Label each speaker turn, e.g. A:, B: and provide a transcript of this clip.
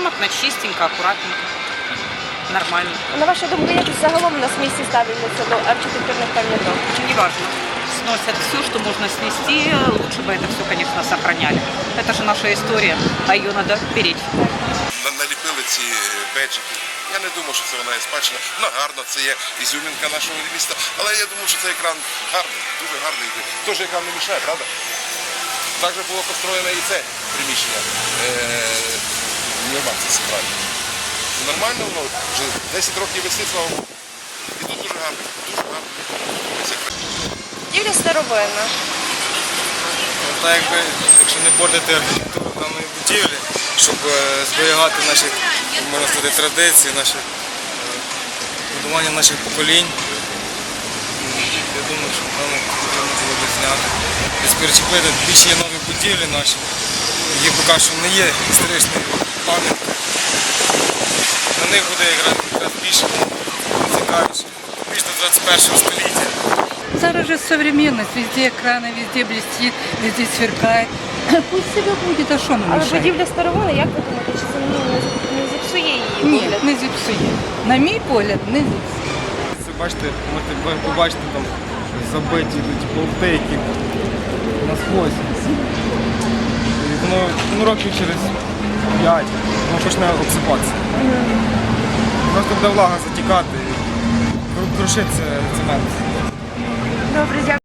A: грамотно, чистенько, аккуратненько, нормально.
B: На вашу думку, як загалом у нас в місті ставляться до архітектурних пам'яток?
A: Неважно. Сносят все, что можно снести. Лучше бы это все, конечно, сохраняли. Это же наша история, а ее надо беречь.
C: Наліпили ці беджики. Я не думаю, що це вона є спадщина. Вона гарна, це є ізюмінка нашого міста. Але я думаю, що цей екран гарний, дуже гарний. Тож екран не мішає, правда? Так же було построєно і це приміщення. Нема, це центральне. Нормально воно, вже 10 років висить, слава Богу. І тут дуже гарно, дуже гарно.
B: Будівля старовинна.
D: Так якби, якщо не портити архітектуру даної будівлі, щоб зберігати наші, можна сказати, традиції, наші будування наших поколінь, я думаю, що нам потрібно було б зняти. Десь перечепити, більше є нові будівлі наші, які поки що не є історичною пам'яткою. На них буде якраз більше цікавіше, більш до 21 століття.
E: Зараз же современность, везде экраны, везде блестит, везде сверкает. Пусть себе будет, а що нам
B: Але
E: мешає?
B: будівля старовинна, як ви думаєте, чи це не зіпсує її
E: Ні,
B: вигляд?
E: не зіпсує. На мій погляд, не зіпсує.
D: Це бачите, можете побачити там забиті йдуть болти, які насквозь. І воно років через 5 воно почне обсипатися. Просто буде влага затікати і крушиться цемент.
B: Добре, дякую.